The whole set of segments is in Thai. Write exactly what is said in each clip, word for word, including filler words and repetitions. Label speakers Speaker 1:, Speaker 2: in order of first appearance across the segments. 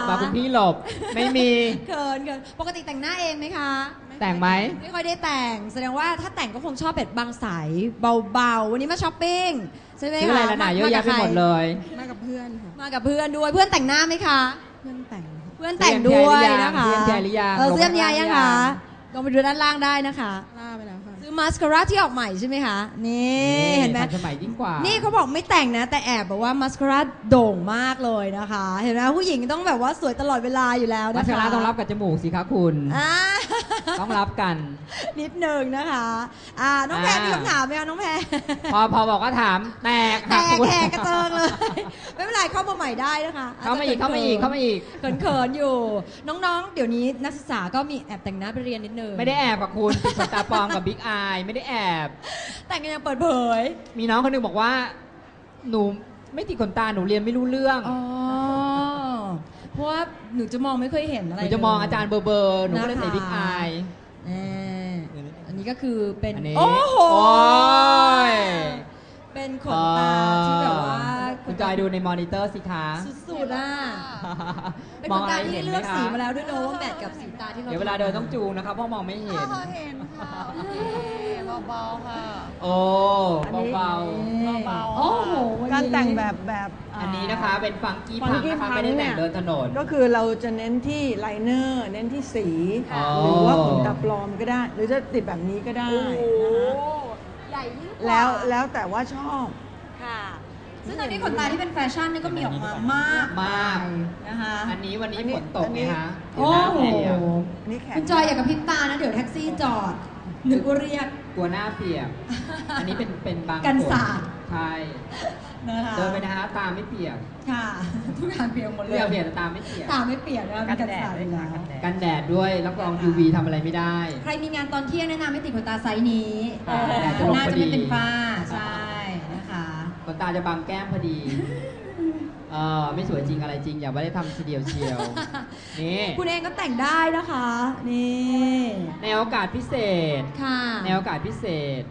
Speaker 1: มาคุณพี่หลบไม่มี
Speaker 2: เกินเกินปกติแต่งหน้าเองไหมคะ
Speaker 1: แต่งไหม
Speaker 2: ไม่ค่อยได้แต่งแสดงว่าถ้าแต่งก็คงชอบแบบบางสายเบาๆวันนี้มาช้อปปิ้งใช่ไหมคะ
Speaker 1: ซื้ออะไรละหนาเยอะแยะไปหมดเลย
Speaker 3: มากับเพื่อนค่ะ
Speaker 2: มากับเพื่อนด้วยเพื่อนแต่งหน้าไหมคะ
Speaker 3: เพื่อนแต่ง
Speaker 2: เพื่อนแต่งด้วยนะคะ
Speaker 1: เพื่อนแจริยา
Speaker 2: เออเสื้อมยายังคะลองไปดูด้านล่างได้นะคะ
Speaker 3: ล่าไปแล้วค่ะ
Speaker 2: ซื้อมาสคาร่าที่ออกใหม่ใช่ไหมคะนี่เห็นไหม
Speaker 1: สมัยยิ่งกว่า
Speaker 2: นี่เขาบอกไม่แต่งนะแต่แอบบอกว่ามาสคาร่าโด่งมากเลยนะคะเห็นไหมผู้หญิงต้องแบบว่าสวยตลอดเวลาอยู่แล้วนะคะ
Speaker 1: มาสคาร่าต้องรับกับจมูกสิคะคุณต้องรับกัน
Speaker 2: นิดนึงนะคะอ่าน้องแพรมีคำถามไหมคะน้องแพร
Speaker 1: พอพอบอกว่าถามแตก
Speaker 2: แตกแตกกระเจิงเลยไม่เป็นไรเข้ามาใหม่ได้นะคะ
Speaker 1: เข้ามาอีกเข้ามาอีกเข้ามาอีก
Speaker 2: เขินๆอยู่น้องๆเดี๋ยวนี้นักศึกษาก็มีแอบแต่งหน้าไปเรียนนิดนึง
Speaker 1: ไม่ได้แอบกับคุณติดขนตาปลอมกับบิ๊กอายไม่ได้แอบ
Speaker 2: แต่งกันยังเปิดเผย
Speaker 1: มีน้องคนนึงบอกว่าหนูไม่ติดขนตาหนูเรียนไม่รู้เรื่อง
Speaker 2: อ๋อเพราะว่าหนูจะมองไม่เคยเห็นอะไร
Speaker 1: หนูจะมองอาจารย์เบอร์เบอร์หนูก็เลยใส่บิ๊กอาย
Speaker 2: อันนี้ก็คือเป็น
Speaker 1: โอ้โห
Speaker 2: เป็นขนตาที่แบบว่า
Speaker 1: คุณจอยดูในมอนิเตอร์สิคะ
Speaker 2: สุดๆอ่ะเป็นขนตาที่เลือกสีมาแล้วด้วยเนอะว่าแมทกับสีตาที่เรา
Speaker 1: เดี๋ยวเวลาเดินต้องจูงนะครับเพราะมองไม่เห็น
Speaker 3: เห็นค่ะเบาๆค่ะ
Speaker 1: โอ้เบา
Speaker 3: ๆโอ้โหการแต่งแบบแบบ
Speaker 1: อันนี้นะคะเป็นฟังกี้พังนะคะไม่ได้แต่งเดินถนน
Speaker 3: ก็คือเราจะเน้นที่ไลเนอร์เน้นที่สีหรือว่าขนตาปลอมก็ได้หรือจะติดแบบนี้ก็ได้
Speaker 2: ใหญ่ยิ่งกว่า
Speaker 3: แล้วแล้วแต่ว่าชอบ
Speaker 2: ค่ะซึ่งตอนนี้ขนตาที่เป็นแฟชั่นนี่ก็มีออกมามาก
Speaker 1: มาก
Speaker 2: นะคะ
Speaker 1: อันนี้วันนี้ฝนตกไงคะ
Speaker 2: โอ้โหคุณจอยอยากกับพริบตานะเดี๋ยวแท็กซี่จอดนึกว่าเรียก
Speaker 1: กลัวหน้าเปียกอันนี้เป็นเป็นบาง
Speaker 2: กันสาด
Speaker 1: ใช่เดินไปนะคะตาไม่เปียก
Speaker 2: ค่ะทุกอย่างเปียกหมดเลย
Speaker 1: เปียกแต่ตาไม่เปียก
Speaker 2: ตาไม่เปียกนะกันแดดด้วย
Speaker 1: กันแดดด้วยรับรอง ยู วี ทำอะไรไม่ได้
Speaker 2: ใครมีงานตอนเที่ยงแนะนำให้ติดขนตาไซส์นี้หน้าจะไม่เป็นฝ้าใช่นะคะ
Speaker 1: ขนตาจะบังแก้มพอดีเออไม่สวยจริงอะไรจริงอย่าไม่ได้ทำทีเดียวเชียวนี่
Speaker 2: คุณเองก็แต่งได้นะคะนี่
Speaker 1: ในโอกาสพิเศษ
Speaker 2: ค่ะ
Speaker 1: ในโอกาสพิเศษ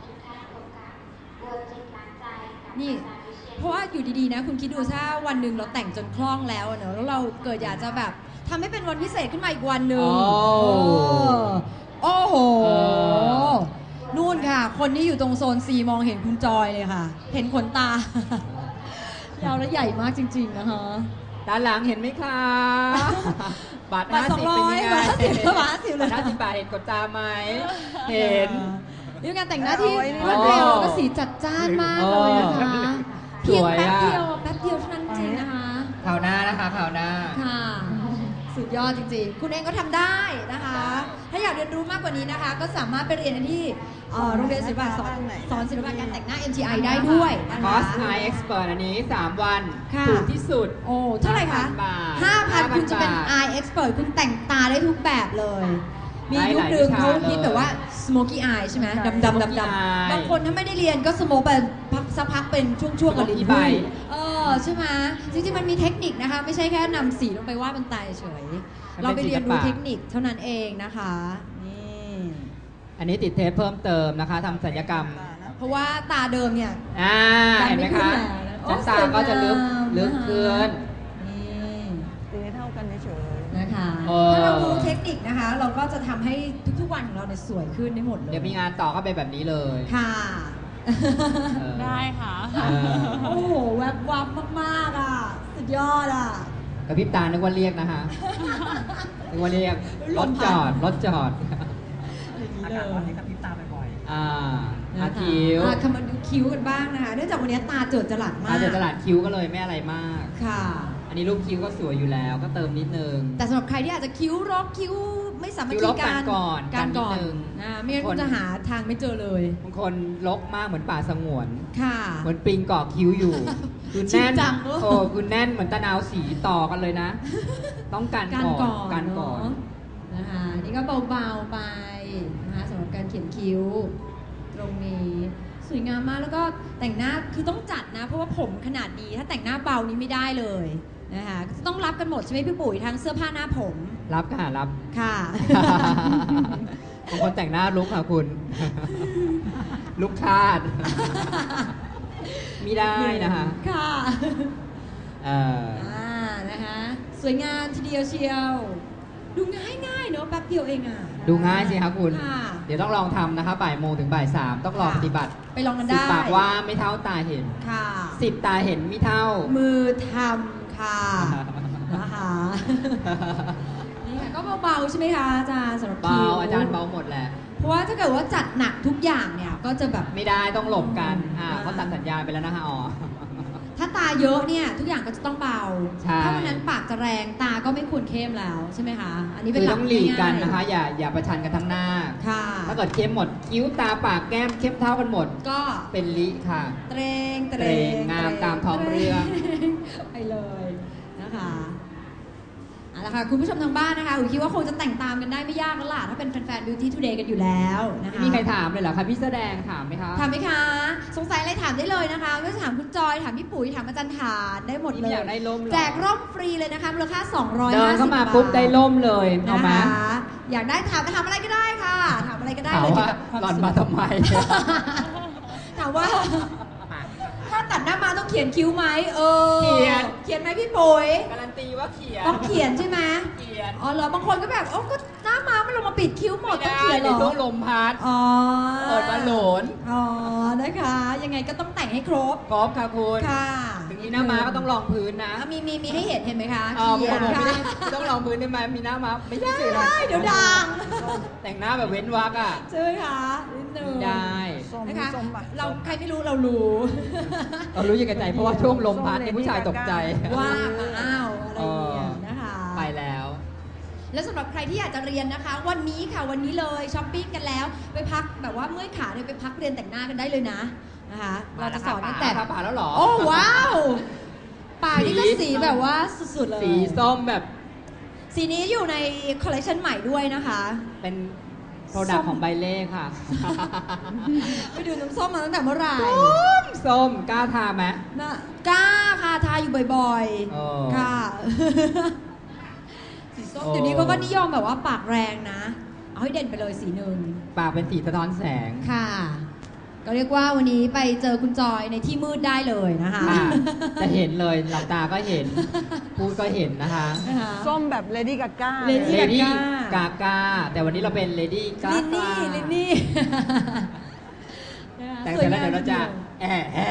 Speaker 2: นี่เพราะว่าอยู่ดีๆนะคุณคิดดูถ้าวันหนึ่งเราแต่งจนคล่องแล้วเนอะแล้วเราเกิดอยากจะแบบทำให้เป็นวันพิเศษขึ้นมาอีกวันหนึ่งโอ้โหนู่นค่ะคนที่อยู่ตรงโซน ซี มองเห็นคุณจอยเลยค่ะเห็นขนตายาวและใหญ่มากจริงๆนะคะ
Speaker 1: ด้านหลังเห็นไหมคะบาทห้าสิบเป็นยังไง
Speaker 2: บาทห้าสิบบาทห้าสิบเลย
Speaker 1: ห้าสิบบาทเห็นขนตาไหมเห็น
Speaker 2: นี่งานแต่งหน้าที่รวดเร็วก็สีจัดจ้านมากเลยนะคะเพียงแป๊บเดียวแป๊บเดียวเท่านั้นจริงนะคะ
Speaker 1: ข่าวหน้านะคะข่าวหน้า
Speaker 2: ค่ะสุดยอดจริงๆคุณเองก็ทำได้นะคะถ้าอยากเรียนรู้มากกว่านี้นะคะก็สามารถไปเรียนที่โรงเรียนศิลปะสอนสอนศิลปะการแต่งหน้า เอ็ม ที ไอ ได้ด้วยนะคะ
Speaker 1: คอร์ส Eye Expert อันนี้สามวันถูกที่สุด
Speaker 2: โอ้เท่าไหร่คะห้าพันคุณจะเป็น Eye Expert คุณแต่งตาได้ทุกแบบเลยมียุคนึงเขาคิดแบบว่า smoky eye ใช่ไหมดำดำดำดำบางคนถ้าไม่ได้เรียนก็สโมกไปพักสักพักเป็นช่วงๆกับลิ้นหุ้ยเออใช่ไหมจริงๆมันมีเทคนิคนะคะไม่ใช่แค่นำสีลงไปวาดบนตาเฉยเราไปเรียนรู้เทคนิคเท่านั้นเองนะคะนี่
Speaker 1: อันนี้ติดเทปเพิ่มเติมนะคะทำศัลยกรรม
Speaker 2: เพราะว่าตาเดิมเนี่ย
Speaker 1: อ่าเห็นไหมคะชั้นตาก็จะลึกลึกขึ้น
Speaker 3: ตีเท่ากันเฉย
Speaker 2: นะคะถ้าเรารู้เทคนิคนะคะเราก็จะทำให้ทุกๆวันของเราเนี่ยสวยขึ้นได้หมดเลย
Speaker 1: เดี๋ยวมีงานต่อก็เป็นแบบนี้เลย
Speaker 2: ค่ะ
Speaker 3: ได้ค่ะ
Speaker 2: โอ้โหแวบวับมากๆอ่ะสุดยอดอ่ะ
Speaker 1: กระพริบตานึกว่าเรียกนะคะนึกว่าเรียกรถจอดรถจอด
Speaker 3: อากาศร้อนนี้กระพริบตาบ่อย
Speaker 1: ๆอ่าอาคิ้ว
Speaker 2: คำมาดูคิ้วกันบ้างนะคะเนื่องจากวันนี้ตาเจิดจรัสมาก
Speaker 1: ตาเจิดจรัสคิ้วก็เลยไม่อะไรมาก
Speaker 2: ค่ะ
Speaker 1: อันนี้รูปคิ้วก็สวยอยู่แล้วก็เติมนิดนึง
Speaker 2: แต่สำหรับใครที่อาจจะคิ้วรกคิ้วไม่สามารถที่การ
Speaker 1: ก่อน
Speaker 2: การก่อนนะไม่งั้นคุณจะหาทางไม่เจอเลย
Speaker 1: บางคนรกมากเหมือนป่าสงวน
Speaker 2: ค่ะ
Speaker 1: เหมือนปิงเกาะคิ้วอยู่คือแน่นโอ้คือแน่นเหมือนตะนาวสีต่อกันเลยนะต้องการก่อนการก่อน
Speaker 2: นะคะนี่ก็เบาๆไปนะคะสำหรับการเขียนคิ้วตรงนี้สวยงามมากแล้วก็แต่งหน้าคือต้องจัดนะเพราะว่าผมขนาดนี้ถ้าแต่งหน้าเบานี้ไม่ได้เลยนะคะต้องรับกันหมดใช่ไหมพี่ปุ๋ยทั้งเสื้อผ้าหน้าผม
Speaker 1: รับค่ะรับ
Speaker 2: ค่ะ
Speaker 1: บางคนแต่งหน้าลุกค่ะคุณลุกคาดไม่ได้นะคะ
Speaker 2: ค่ะ
Speaker 1: เออ
Speaker 2: นะฮะสวยงามทีเดียวเชียวดูง่ายง่ายเนอะแป๊บเดียวเองอ่ะ
Speaker 1: ดูง่ายสิคะคุณ
Speaker 2: ค่ะ
Speaker 1: เดี๋ยวต้องลองทำนะคะบ่ายโมงถึงบ่ายสามต้องลองปฏิบัติ
Speaker 2: ไปลองกัน
Speaker 1: สิบ
Speaker 2: ได้
Speaker 1: ปากว่าไม่เท่าตาเห็น
Speaker 2: ค่ะ
Speaker 1: สิบตาเห็นไม่เท่า
Speaker 2: มือทำค่ะนะคะนี่ค่ะก็เบาๆใช่ไหมคะอาจารย์สำหรับ
Speaker 1: เบา
Speaker 2: คิว
Speaker 1: อาจารย์เบาหมดแหละ
Speaker 2: เพราะว่าถ้าเกิดว่าจัดหนักทุกอย่างเนี่ยก็จะแบบ
Speaker 1: ไม่ได้ต้องหลบกันอ่า
Speaker 2: อ่า
Speaker 1: เขาตัดสัญญาณไปแล้วนะคะอ๋อ
Speaker 2: ถ้าตาเยอะเนี่ยทุกอย่างก็จะต้องเบา
Speaker 1: ใช่
Speaker 2: ถ้าวันนั้นปากจะแรงตาก็ไม่ควรเข้มแล้วใช่ไหมคะอันนี้เป็
Speaker 1: คื
Speaker 2: น
Speaker 1: อ
Speaker 2: หลัก
Speaker 1: ต้องหลีกกัน
Speaker 2: ง่ายๆ
Speaker 1: นะคะ อย่าอย่าประชันกันทั้งหน้า
Speaker 2: ค่ะ
Speaker 1: ถ้าเกิดเข้มหมดคิ้วตาปากแก้มเข้มเท่ากันหมด
Speaker 2: ก็
Speaker 1: เป็นลิค่ะ
Speaker 2: เตรงเต
Speaker 1: เตรงงามตามท้องเรื่อง
Speaker 2: ไปเลยนะคะเอาละค่ะคุณผู้ชมทางบ้านนะคะอุ๋ยคิดว่าคงจะแต่งตามกันได้ไม่ยากแล้วล่ะถ้าเป็นแฟนๆ Beauty Today กันอยู่แล้วนะคะ
Speaker 1: ไม่มีใครถามเลยเหรอคะพี่แสดงถามไหมคะ
Speaker 2: ถามไหมคะ สงสัยอะไรถามได้เลยนะคะไม่ว่าจะถามคุณจอยถามพี่ปุ๋ยถามอาจารย์ฐานได้หมดเล
Speaker 1: นี่
Speaker 2: ย
Speaker 1: อยากได้ร่มเหรอ
Speaker 2: แจกร่มฟรีเลยนะคะมูลค่าสองร้อย
Speaker 1: เดิ
Speaker 2: ห้าน สิบ
Speaker 1: เข้ามา
Speaker 2: บาท
Speaker 1: ปุ๊บได้ร่มเลยเอามา
Speaker 2: นะคะอยากได้ถามถามอะไรก็ได้ค่ะ ถามอะไรก็ได้
Speaker 1: ถาม
Speaker 2: เลย
Speaker 1: ว่า
Speaker 2: เกี่ยวกับคว
Speaker 1: หล่อน
Speaker 2: สวย
Speaker 1: มาทำไม
Speaker 2: ถามว่า ถ้าตัดหน้ามาต้องเขียนคิ้วไหมเออ
Speaker 1: เขียน
Speaker 2: เขียนไหมพี่ปุ๋ย
Speaker 1: การันตีว่าเขียน
Speaker 2: ต้องเขียนใช่ไหม
Speaker 1: เขียน
Speaker 2: อ๋อเหรอบางคนก็แบบโอ้ก็หน้ามาไม่ลงมาปิดคิ้วหมดต้องเขียนเหร
Speaker 1: ใน
Speaker 2: อ
Speaker 1: ช่วงลมพัด
Speaker 2: อ๋อ
Speaker 1: เปิดบอลโหลน
Speaker 2: อ๋อนะคะ ยังไงก็ต้องแต่งให้ครบ
Speaker 1: กอล์ฟค่ะคุณ
Speaker 2: ค่ะ
Speaker 1: ถึงมีหน้าม้าก็ต้องรองพื้นนะ
Speaker 2: อ่ะมีมีมีให้เห็นเห็นไหมคะ
Speaker 1: อ๋อ
Speaker 2: เขียน
Speaker 1: ผมไม่
Speaker 2: ค่ะ
Speaker 1: ได้ไม่ต้องรองพื้นได้ไหมมีหน้าม้าไม่ได้สิ
Speaker 2: ได้เดี๋ยวดัง
Speaker 1: แต่งหน้าแบบเว้นวรรคอ่ะ
Speaker 2: ใช่ไหมคะนิดนึง
Speaker 1: ไม่ได้
Speaker 3: ส้ม
Speaker 2: นะคะ
Speaker 3: ส้มปะ
Speaker 2: เราใครไม่รู้เรารู้
Speaker 1: เรารู้ยังไงใจเพราะว่าช่วงลมพัดเนี่ยผู้ชายตกใจ
Speaker 2: ว่ามาอ้าวอะไรอย่างเงี้ยนะคะ
Speaker 1: ไปแล้ว
Speaker 2: แล้วสำหรับใครที่อยากจะเรียนนะคะ วันนี้ค่ะวันนี้เลยช้อปปิ้งกันแล้วไปพักแบบว่าเมื่อยขาเนี่ยไปพักเรียนแต่งหน้ากันได้เลยนะนะคะเราจะสอนตั้งแต่
Speaker 1: มาผ่าแล้วเหรอ
Speaker 2: โอ้ว้าวปากนี่ก็
Speaker 1: สี
Speaker 2: สีแบบว่าสุดๆเลย
Speaker 1: สีส้มแบบ
Speaker 2: สีนี้อยู่ในคอลเลคชันใหม่ด้วยนะคะ
Speaker 1: เป็นโปรดักต์ของใบเล่ค่ะ
Speaker 2: ไปดูน้ำส้มมาตั้งแต่เมื่อไหร่
Speaker 1: ส้มส้มกล้าทาไหม
Speaker 2: นะกล้าค่ะทาอยู่บ่อย
Speaker 1: เออ
Speaker 2: ๆ ค่ะ สีส้ม
Speaker 1: โอ้
Speaker 2: เดี๋ยวนี้เขาก็นิยมแบบว่าปากแรงนะ เอาให้เด่นไปเลยสีหนึ่ง
Speaker 1: ปากเป็นสีสะท้อนแสง
Speaker 2: ค่ะ ก็เรียกว่าวันนี้ไปเจอคุณจอยในที่มืดได้เลยนะคะ
Speaker 1: อ่ะจะเห็นเลยหลับตาก็เห็น พูดก็เห็นนะคะ
Speaker 2: นะคะ
Speaker 3: ส้มแบบเลดี้กาก้า
Speaker 2: Lady
Speaker 1: เลดี้
Speaker 2: Gaga
Speaker 1: กากาแต่วันนี้เราเป็นเลดี้กา
Speaker 2: ลินนี่
Speaker 1: กา
Speaker 2: ลินนี่นะคะ
Speaker 1: แต่เสร็จแล้วเดี๋ยวเราจะแอะแอะ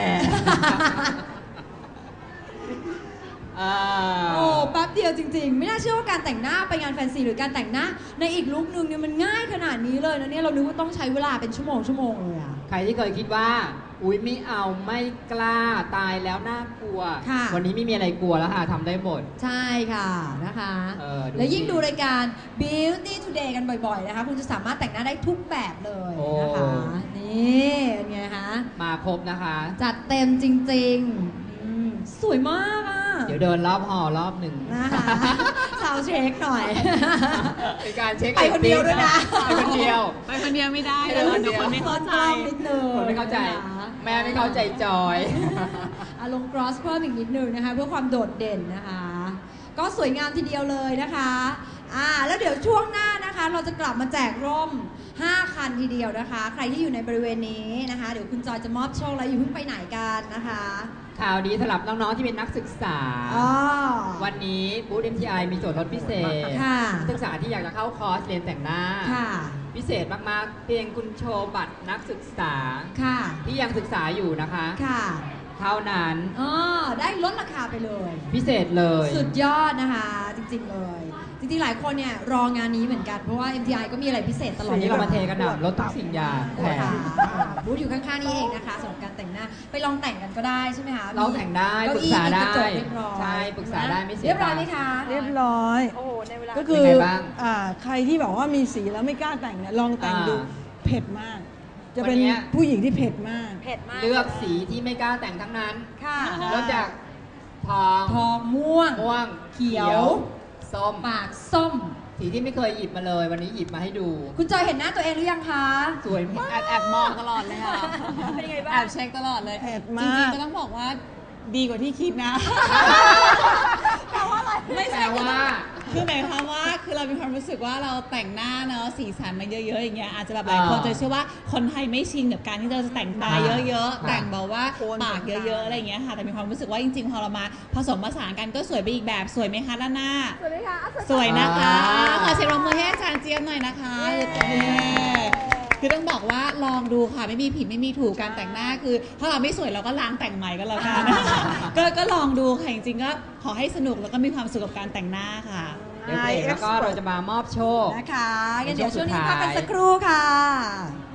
Speaker 1: อ่า
Speaker 2: โอ้แป๊บเดียวจริงๆ ไม่น่าเชื่อว่าการแต่งหน้าไปงานแฟนซีหรือการแต่งหน้าในอีกลุคนึงเนี่ยมันง่ายขนาดนี้เลยนะเนี่ยเรานึกว่าต้องใช้เวลาเป็นชั่วโมงชั่วโมงเลยอะ
Speaker 1: ใครที่เคยคิดว่า อุ๊ยไม่เอาไม่กล้าตายแล้วน่ากลัว
Speaker 2: ค่ะ
Speaker 1: วันนี้ไม่มีอะไรกลัวแล้วค่ะทำได้หมด
Speaker 2: ใช่ค่ะนะคะ
Speaker 1: เออดู
Speaker 2: แล้วยิ่ง
Speaker 1: สิ
Speaker 2: ดูรายการ Beauty Today กันบ่อยๆนะคะ คุณจะสามารถแต่งหน้าได้ทุกแบบเลยนะคะ
Speaker 1: โอ้
Speaker 2: นี่เป็นไงคะ
Speaker 1: มาครบนะคะ
Speaker 2: จัดเต็มจริงๆอืมสวยมากอ่ะ
Speaker 1: เดี๋ยวเดินรอบหอรอบหนึ่ง
Speaker 2: นะคะสาวเช็คหน่อย
Speaker 1: เป็นการเช็ค
Speaker 2: ไปคนเดียวด้วยนะ
Speaker 1: ไปคนเดียว
Speaker 4: ไปคนเดียวไม่ได้
Speaker 1: ไป
Speaker 4: เล
Speaker 1: คน
Speaker 4: ย
Speaker 1: เดียว
Speaker 4: เดี๋ยวคนไม่เข้าใจ
Speaker 2: นิดนึง
Speaker 1: คนไม่เข้าใจ
Speaker 2: นะคะ
Speaker 1: แม่ไม่เข้าใจจอย
Speaker 2: อารมณ์ cross เพิ่มอีกนิดนึงนะคะ เพื่อความโดดเด่นนะคะ ก็สวยงามทีเดียวเลยนะคะอ่าแล้วเดี๋ยวช่วงหน้านะคะ เราจะกลับมาแจกร่ม ห้า คันทีเดียวนะคะ ใครที่อยู่ในบริเวณนี้นะคะ เดี๋ยวคุณจอยจะมอบโชคแล้วอยู่าเพิ่งไปไหนกันนะคะ
Speaker 1: ข่าวดีสำหรับน้องๆที่เป็นนักศึกษา
Speaker 2: อ๋อ
Speaker 1: วันนี้บูธ เอ็ม ที ไอ มีส่วนลดพิเศษ
Speaker 2: ค่ะ
Speaker 1: นักศึกษาที่อยากจะเข้าคอร์สเรียนแต่งหน้า
Speaker 2: ค่ะ
Speaker 1: พิเศษมากๆ เพียงคุณโชว์บัตรนักศึกษา
Speaker 2: ค่ะ
Speaker 1: ที่ยังศึกษาอยู่นะคะ
Speaker 2: ค่ะ
Speaker 1: เท่านั้น
Speaker 2: อ๋อได้ลดราคาไปเลย
Speaker 1: พิเศษเลย
Speaker 2: สุดยอดนะคะ จริงๆเลย จริงๆ หลายคนเนี่ยรองานนี้เหมือนกัน เพราะว่า เอ็ม ที ไอ ก็มีอะไรพิเศษตลอด
Speaker 1: วันนี้เรามาเทกันหนับลดทุกสิ่งอย่างแถ
Speaker 2: ค่ะ
Speaker 1: ม
Speaker 2: บูธอยู่ข้างๆ นี่เองนะคะสำหรับการแต่งหน้า ไปลองแต่งกันก็ได้ใช่ไหมคะ
Speaker 1: ลองแต่งได้
Speaker 2: เก้
Speaker 1: ปรึกษาได้
Speaker 2: มีกระจกเรียบร้อย
Speaker 1: ใช่ปรึกษาได้ไม่เสีย
Speaker 2: เรียบร้อยไหมคะ
Speaker 3: เรียบร้อย
Speaker 2: โอ้โหในเวลา
Speaker 3: ก็คือ
Speaker 1: เป็นไงบ้าง
Speaker 3: อ่าใครที่บอกว่ามีสีแล้วไม่กล้าแต่งเนี่ยลองแต่งดู
Speaker 1: อ่า
Speaker 3: เผ็ดมาก จะเป็น
Speaker 1: วันเนี้ย
Speaker 3: ผู้หญิงที่เผ็ดมาก
Speaker 2: เผ็ดมาก
Speaker 1: เลือกสีที่ไม่กล้าแต่งทั้งนั้น
Speaker 2: ค่ะ
Speaker 1: เริ่มจากทอง
Speaker 2: ทองม่วง
Speaker 1: ม่วง
Speaker 2: เขียว
Speaker 1: ส้ม
Speaker 2: ปากส้ม
Speaker 1: สีที่ไม่เคยหยิบมาเลย วันนี้หยิบมาให้ดู
Speaker 2: คุณจอยเห็นหน้าตัวเองหรือยังคะ
Speaker 1: สวยมาก
Speaker 4: แอบแอบมองตลอดเลยค่ะ
Speaker 2: เป็นยังไงบ้าง
Speaker 4: แอบเช็คตลอดเลย
Speaker 3: เผ็ด
Speaker 4: จ
Speaker 3: มาก
Speaker 4: ริงๆก็ต้องบอกว่าดีกว่าที่คิดนะ
Speaker 2: แปลว่าอะไร
Speaker 4: ไม่
Speaker 1: แปล
Speaker 4: ใช่
Speaker 1: ว่า
Speaker 4: คคือหมายความว่าคือเรามีความรู้สึกว่าเราแต่งหน้าเนาะสีสันมาเยอะๆอย่างเงี้ยอาจจะแบบหลายคนจะเชื่อว่าคนไทยไม่ชินกับการที่เราจะแต่งตาเยอะๆแต่งแบบว่าปากเยอะๆอะไรอย่างเงี้ยค่ะแต่มีความรู้สึกว่าจริงๆพอเรามาผสมผสานกันก็สวยไปอีกแบบสวยไหมคะด้านหน้าสวยไหมคะสวยนะคะขอเสียงปรบมือให้อาจารย์เจี๊ยบหน่อยนะคะคือต้องบอกว่าลองดูค่ะไม่มีผิดไม่มีถูกการแต่งหน้าคือถ้าเราไม่สวยเราก็ล้างแต่งใหม่ก็แล้วกันก็ก็ลองดูค่ะจริงๆก็ขอให้สนุกแล้วก็มีความสุขกับการแต่งหน้าค่ะ
Speaker 1: เดี๋ยวเบรกแล้วก็เราจะมามอบโชค
Speaker 2: นะคะงั้นเดี๋ยวช่วงนี้พักกันสักครู่ค่ะ